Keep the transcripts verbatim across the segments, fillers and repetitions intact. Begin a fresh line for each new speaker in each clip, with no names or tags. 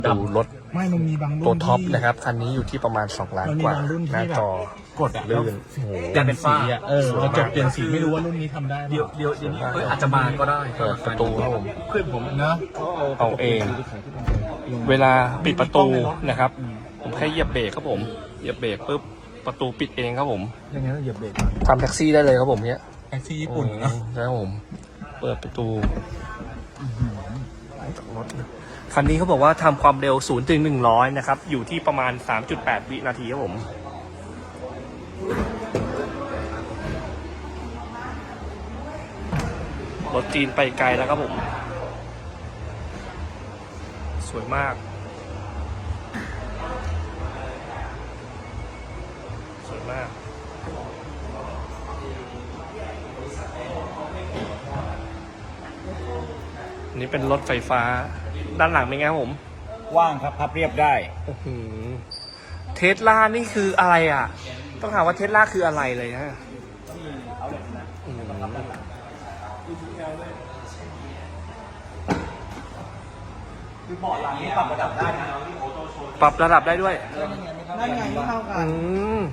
ดูรถ
ไม่มันมีบางรุ่น
ตัวท็อป
ที่
นะครับคันนี้อยู่ที่ประมาณสองล้าน
มันมี
กว่า
บางรุ่นที่
หน้า
แบบ
จอก
ดอะ
ลื่นโอ้โห
เปลี่ยนสีอ่ะเออเราจบเปลี่ยนสีไม่รู้ว่ารุ่นนี้ทำได้ไหม
เดี๋ยวเดี๋ยวเดี๋ยวนี้เอ้ยอาจจะมาก็ได้
เปิดประตูครับผม
เพื่อนผม
เนอะ
เอาเอง เวลาปิดประตูนะครับ ผมแค่เหยียบเบรกครับผมเหยียบเบรกปุ๊บประตูปิดเองครับผม
ยังไงต้องเหยียบเบรก
ทำแท็กซี่ได้เลยครับผมเนี้ย
แท็กซี่ญี่ปุ่นเนาะ
ใช่ครับผมเปิดประตูรถคันนี้เขาบอกว่าทำความเร็วศูนย์ถึงหนึ่งร้อยนะครับอยู่ที่ประมาณ สามจุดแปด วินาทีครับผมรถจีนไปไกลแล้วครับผมสวยมากสวยมากนี่เป็นรถไฟฟ้าด้านหลังเป็นไงครับผม
ว่างครับพับเรียบได้
เทสลานี่คืออะไรอ่ะต้องถามว่าเทสลาคืออะไรเลยฮะอืม
คือเบาะหลังนี่ปรับระดับได้นะ
ปรับระดับได้ด้วย
นั่นไงไม่เท่ากั
อื
น
ม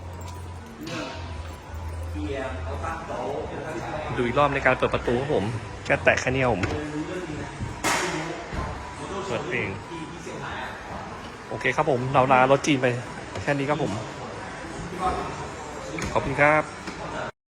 ดูอีกรอบในการเปิดประตูครับผมแค่แตะแค่นี้ครับผมเปิดเองโอเคครับผมเราลารถจีนไปแค่นี้ครับผมขอบคุณครับ